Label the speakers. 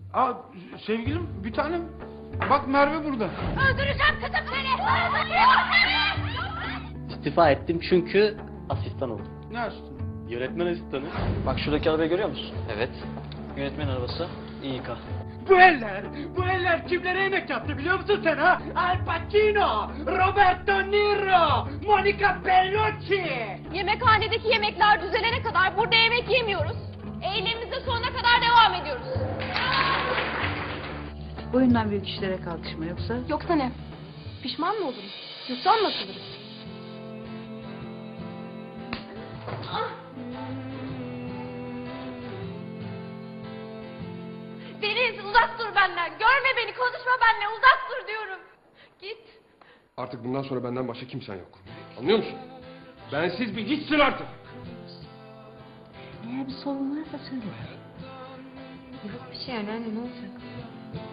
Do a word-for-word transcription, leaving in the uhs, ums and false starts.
Speaker 1: Aa, sevgilim bir tanem. Bak Merve burada.
Speaker 2: Öldüreceğim kızım seni.
Speaker 3: İstifa ettim çünkü asistan oldum.
Speaker 1: Ne açtın?
Speaker 3: Yönetmen asistanı.
Speaker 4: Bak şuradaki arabayı görüyor musun?
Speaker 3: Evet.
Speaker 4: Yönetmen arabası. İyi ka.
Speaker 1: Bu eller, bu eller kimlere yemek yaptı biliyor musun sen ha? Al Pacino, Roberto Niro, Monica Bellucci.
Speaker 2: Yemekhanedeki yemekler düzelene kadar burada yemek yemiyoruz. Eylemimize sonuna kadar devam ediyoruz.
Speaker 5: Boyundan büyük işlere kalkışma yoksa...
Speaker 2: Yoksa ne? Pişman mı oluruz? Yurttan mı atılırız? Deniz uzak dur benden. Görme beni, konuşma benimle. Uzak dur diyorum. Git.
Speaker 6: Artık bundan sonra benden başka kimsen yok. Anlıyor musun? Bensiz bir hiçsin artık.
Speaker 5: Eğer bir sorun varsa söyle.
Speaker 2: Yok bir şey anneanne, ne olacak?